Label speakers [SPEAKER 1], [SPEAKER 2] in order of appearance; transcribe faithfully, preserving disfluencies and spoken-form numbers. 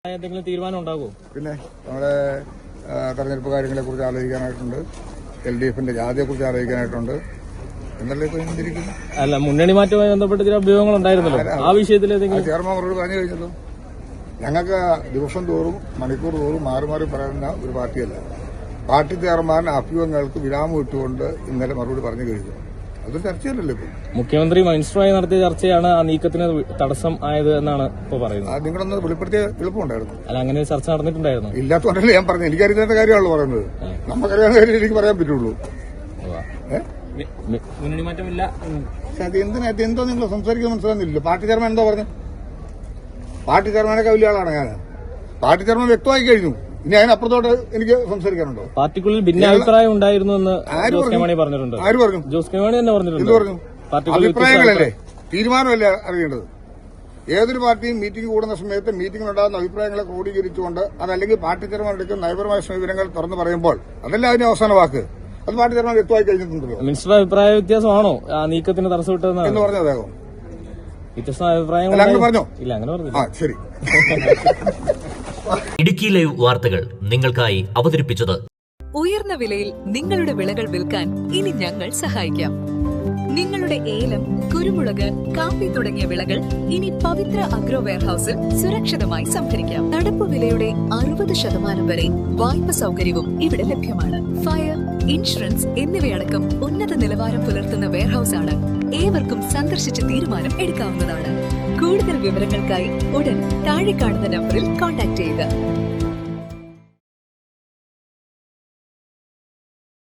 [SPEAKER 1] എന്തെങ്കിലും തീരുമാനം ഉണ്ടാകുമോ?
[SPEAKER 2] പിന്നെ നമ്മുടെ തെരഞ്ഞെടുപ്പ് കാര്യങ്ങളെ കുറിച്ച് ആലോചിക്കാനായിട്ടുണ്ട്, എൽ ഡി എഫിന്റെ ജാതിയെ കുറിച്ച് ആലോചിക്കാനായിട്ടുണ്ട്. എന്നല്ലേ ഇപ്പൊ ചിന്തിരിക്കുന്നു?
[SPEAKER 1] അല്ല, മുന്നണി മാറ്റവുമായി ബന്ധപ്പെട്ട് ചില അഭ്യൂഹങ്ങൾ ഉണ്ടായിരുന്നല്ലോ, ആ വിഷയത്തിൽ
[SPEAKER 2] ചെയർമാൻ മറുപടി പറഞ്ഞു കഴിഞ്ഞല്ലോ. ഞങ്ങൾക്ക് ദിവസം തോറും മണിക്കൂർ തോറും മാറി മാറി പറയുന്ന ഒരു പാർട്ടിയല്ല. പാർട്ടി ചെയർമാൻ അഭ്യൂഹങ്ങൾക്ക് വിരാമം ഇട്ടുകൊണ്ട് ഇന്നലെ മറുപടി പറഞ്ഞു കഴിഞ്ഞു. അതൊരു ചർച്ചയല്ലല്ലോ ഇപ്പൊ.
[SPEAKER 1] മുഖ്യമന്ത്രി മിനിസ്റ്ററുമായി നടത്തിയ ചർച്ചയാണ് ആ നീക്കത്തിന് തടസ്സം ആയത് എന്നാണ് ഇപ്പൊ പറയുന്നത്.
[SPEAKER 2] നിങ്ങളൊന്ന് വെളിപ്പെടുത്തിയ എളുപ്പമുണ്ടായിരുന്നു.
[SPEAKER 1] അല്ല, അങ്ങനെ ചർച്ച നടന്നിട്ടുണ്ടായിരുന്നു.
[SPEAKER 2] ഇല്ലാത്തതുകൊണ്ടല്ലേ ഞാൻ പറഞ്ഞു. എനിക്കറിയാത്ത കാര്യമാണല്ലോ പറയുന്നത്. നമുക്കറിയാവുന്ന കാര്യം എനിക്ക് പറയാൻ പറ്റുള്ളൂ.
[SPEAKER 1] മുന്നണി മാറ്റമില്ല.
[SPEAKER 2] അത് എന്തിനാ എന്തോ നിങ്ങൾ സംസാരിക്കുന്നത് മനസ്സിലാകുന്നില്ല. പാർട്ടി ചെയർമാൻ എന്തോ പറഞ്ഞു? പാർട്ടി ചെയർമാനൊക്കെ വലിയ ആളാണ് ഞാൻ. പാർട്ടി ചെയർമാൻ വ്യക്തമായി കഴിഞ്ഞു. ഇനി അതിനപ്പുറത്തോട്ട് എനിക്ക് സംസാരിക്കാനുണ്ടോ?
[SPEAKER 1] പാർട്ടിക്കുള്ളിൽ ഭിന്നാഭിപ്രായം ഉണ്ടായിരുന്നു എന്ന് ജോസ് കെ മാണി പറഞ്ഞിട്ടുണ്ട്.
[SPEAKER 2] ആര് പറഞ്ഞു?
[SPEAKER 1] ജോസ് കെ മാണി തന്നെ പറഞ്ഞിട്ടുണ്ട്.
[SPEAKER 2] എന്ത് പറഞ്ഞു? അഭിപ്രായങ്ങളല്ലേ, തീരുമാനമല്ലേ അറിയേണ്ടത്. ഏതൊരു പാർട്ടിയും മീറ്റിംഗ് കൂടുന്ന സമയത്ത് മീറ്റിംഗിലുണ്ടാകുന്ന അഭിപ്രായങ്ങളെ ക്രോഡീകരിച്ചുകൊണ്ട് അതല്ലെങ്കിൽ പാർട്ടി ചെയർമാൻ എടുക്കുന്ന നയപരമായ സമീപനങ്ങൾ തുറന്നു പറയുമ്പോൾ അതല്ല അതിന്റെ അവസാന വാക്ക്. അത് പാർട്ടി ചെയർമാൻ വ്യക്തമായി കഴിഞ്ഞിട്ടുണ്ടല്ലോ.
[SPEAKER 1] മിനിസ്റ്റർ അഭിപ്രായ വ്യത്യാസമാണോ ആ നീക്കത്തിന് തടസ്സമിട്ടതെന്ന്
[SPEAKER 2] എന്ന് പറഞ്ഞ അദ്ദേഹം
[SPEAKER 1] വ്യത്യസ്ത അഭിപ്രായങ്ങൾ
[SPEAKER 2] പറഞ്ഞോ?
[SPEAKER 1] ഇല്ല, അങ്ങനെ പറഞ്ഞു.
[SPEAKER 2] ആ ശരി.
[SPEAKER 3] ഇടുക്കി ലൈവ് വാർത്തകൾ നിങ്ങൾക്കായി അവതരിപ്പിച്ചത്
[SPEAKER 4] ഉയർന്ന വിലയിൽ നിങ്ങളുടെ വിളകൾ വിൽക്കാൻ ഇനി ഞങ്ങൾ സഹായിക്കാം. നിങ്ങളുടെ ഏലം, കുരുമുളക്, കാപ്പി തുടങ്ങിയ വിളകൾ ഇനി പവിത്ര അഗ്രോ വെയർഹൌസിൽ സുരക്ഷിതമായി സംഭരിക്കാം. നടപ്പ് വിലയുടെ അറുപത് ശതമാനം വരെ വായ്പ സൗകര്യവും ഇവിടെ ലഭ്യമാണ്. ഫയർ, ഇൻഷുറൻസ് എന്നിവയടക്കം ഉന്നത നിലവാരം പുലർത്തുന്ന വെയർഹൌസ് ആണ്. ഏവർക്കും സന്ദർശിച്ച് തീരുമാനം എടുക്കാവുന്നതാണ്. കൂടുതൽ വിവരങ്ങൾക്കായി ഉടൻ താഴെ കാണുന്ന നമ്പറിൽ കോൺടാക്ട് ചെയ്യുക.